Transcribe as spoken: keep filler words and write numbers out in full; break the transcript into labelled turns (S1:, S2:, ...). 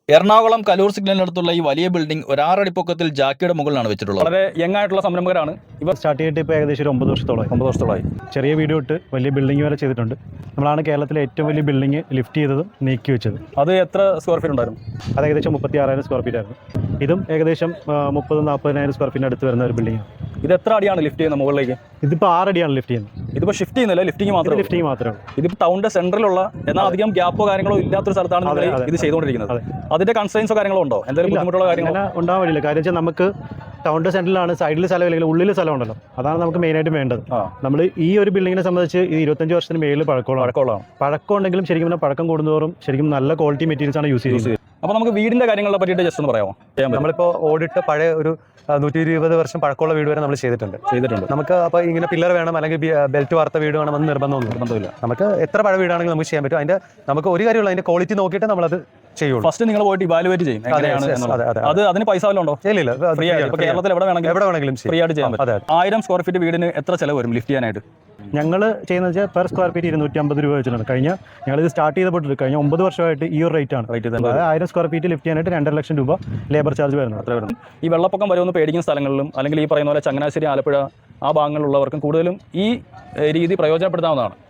S1: എറണാകുളം കലൂർ സിഗ്നലിനടുത്തുള്ള ഈ വലിയ ബിൽഡിംഗ് ഒരാറടി പൊക്കത്തിൽ ജാക്കിയുടെ മുകളിലാണ് വെച്ചിട്ടുള്ളത്. വളരെ യങ് ആയിട്ടുള്ള സംരംഭകരാണ് ഇവർ.
S2: സ്റ്റാർട്ട് ചെയ്തിട്ട് ഇപ്പോൾ ഏകദേശം ഒരു ഒമ്പത് വർഷത്തോളം
S1: ഒമ്പത് വർഷത്തോളമായി.
S2: ചെറിയ വീഡിയോ ഇട്ട് വലിയ ബിൽഡിംഗ് വരെ ചെയ്തിട്ടുണ്ട്. നമ്മളാണ് കേരളത്തിലെ ഏറ്റവും വലിയ ബിൽഡിംഗ് ലിഫ്റ്റ് ചെയ്തതും നീക്കി വെച്ചത്.
S1: അത് എത്ര സ്ക്വയർ ഫീറ്റ് ഉണ്ടായിരുന്നു?
S2: അത് ഏകദേശം മുപ്പത്തി ആറായിരം സ്ക്വയർ ഫീറ്റ് ആയിരുന്നു. ഇതും ഏകദേശം മുപ്പത് നാൽപ്പതിനായിരം സ്ക്വയർ ഫീറ്റിന് അടുത്ത് വരുന്ന ഒരു ബിൽഡിംഗ്.
S1: ഇത് എത്ര അടിയാണ് ലിഫ്റ്റ് ചെയ്യുന്നത് മുകളിലേക്ക്?
S2: ഇതിപ്പോൾ ആറടിയാണ് ലിഫ്റ്റ് ചെയ്യുന്നത്.
S1: ഇതിപ്പോൾ ഷിഫ്റ്റ് ചെയ്യുന്നില്ല, ലിഫ്റ്റിംഗ് മാത്രമേ
S2: ലിഫ്റ്റിംഗ് മാത്രമേ ഉള്ളൂ.
S1: ഇതിപ്പോൾ ടൗണിന്റെ സെൻട്രലുള്ള എന്നാൽ അധികം ഗ്യാപ്പോ കാര്യങ്ങളോ ഇല്ലാത്തൊരു സ്ഥലത്താണ് നിങ്ങൾ ഇത് ചെയ്തുകൊണ്ടിരിക്കുന്നത്. അതിന്റെ കൺസ്ട്രെയിൻസോ കാര്യങ്ങളോ ഉണ്ടോ? എന്തെങ്കിലും ബുദ്ധിമുട്ടുള്ള കാര്യങ്ങൾ
S2: ഉണ്ടാവാൻ വരില്ല. കാര്യം വെച്ചാൽ നമുക്ക് ടൗണിന്റെ സെന്ററിലാണ്, സൈഡിൽ സ്ഥലം അല്ലെങ്കിൽ ഉള്ളിൽ സ്ഥലം ഉണ്ടല്ലോ. അതാണ് നമുക്ക് മെയിനായിട്ട് വേണ്ടത്. നമ്മൾ ഈ ഒരു ബിൽഡിങ്ങിനെ സംബന്ധിച്ച് ഇത് ഇരുപത്തഞ്ച് വർഷത്തിന് മേളിൽ പഴക്കമുള്ള പഴക്കമുള്ളതാണ്. പഴക്കം ഉണ്ടെങ്കിലും ശരിക്കും പറഞ്ഞാൽ പഴക്കം കൂടുന്നതോറും ശരിക്കും നല്ല ക്വാളിറ്റി മെറ്റീരിയൽസ് ആണ് യൂസ് ചെയ്യുന്നത്.
S1: അപ്പോൾ നമുക്ക് വീടിന്റെ കാര്യങ്ങളെ പറ്റിയിട്ട് ജസ്റ്റ് ഒന്ന് പറയാമോ?
S3: നമ്മളിപ്പോൾ ഓടിട്ട് പഴയ ഒരു നൂറ്റി ഇരുപത് വർഷം പഴക്കമുള്ള വീട് വരെ നമ്മൾ ചെയ്തിട്ടുണ്ട് ചെയ്തിട്ടുണ്ട് നമുക്ക് അപ്പോൾ ഇങ്ങനെ പില്ലർ വേണം അല്ലെങ്കിൽ ബെൽറ്റ് വാർത്ത വീട് വേണമെന്ന് നിർബന്ധമൊന്നും നിർബന്ധമില്ല. നമുക്ക് എത്ര പഴയ വീടാണെങ്കിലും നമുക്ക് ചെയ്യാൻ പറ്റും. അതിന്റെ നമുക്ക് ഒരു കാര്യമുള്ള അതിന്റെ ക്വാളിറ്റി നോക്കിയിട്ട് നമ്മളത് ചെയ്യുള്ളൂ.
S1: ഫസ്റ്റ് നിങ്ങൾ പോയിട്ട് ഇവാലുവേറ്റ് ചെയ്യും. അത് അതിന് പൈസ വല്ലതും ഉണ്ടോ?
S3: ഇല്ല,
S1: ഫ്രീ ആയിട്ട് കേരളത്തിൽ എവിടെ വേണമെങ്കിലും
S3: എവിടെ വേണമെങ്കിലും
S1: ഫ്രീ ആയിട്ട് ചെയ്യാൻ പറ്റും. ആയിരം സ്ക്വയർ ഫീറ്റ് വീടിന് എത്ര ചെലവ് വരും ലിഫ്റ്റ് ചെയ്യാനായിട്ട്?
S2: ഞങ്ങൾ ചെയ്യുന്നത് വെച്ചാൽ പെർ സ്ക്വയർ ഫീറ്റ് ഇരുന്നൂറ്റി അമ്പത് രൂപ വെച്ചിട്ടുണ്ട്. കഴിഞ്ഞ ഞങ്ങളിത് സ്റ്റാർട്ട് ചെയ്തപ്പോൾ കഴിഞ്ഞ ഒമ്പത് വർഷമായിട്ട് ഈ ഒരു റേറ്റ് ആണ്. അതായത് ആയിരം സ്ക്വയർ ഫീറ്റ് ലിഫ്റ്റ് ചെയ്യാനായിട്ട് രണ്ടര ലക്ഷം രൂപ ലേബർ ചാർജ് വരുന്നത്.
S1: അത്ര വരുന്നത്. ഈ വെള്ളപ്പൊക്കം വരുമെന്ന് പേടിക്കുന്ന സ്ഥലങ്ങളിലും അല്ലെങ്കിൽ ഈ പറയുന്ന പോലെ ചങ്ങനാശ്ശേരി, ആലപ്പുഴ ആ ഭാഗങ്ങളിലുള്ളവർക്കും കൂടുതലും ഈ രീതി പ്രയോജനപ്പെടുത്താവുന്നതാണ്.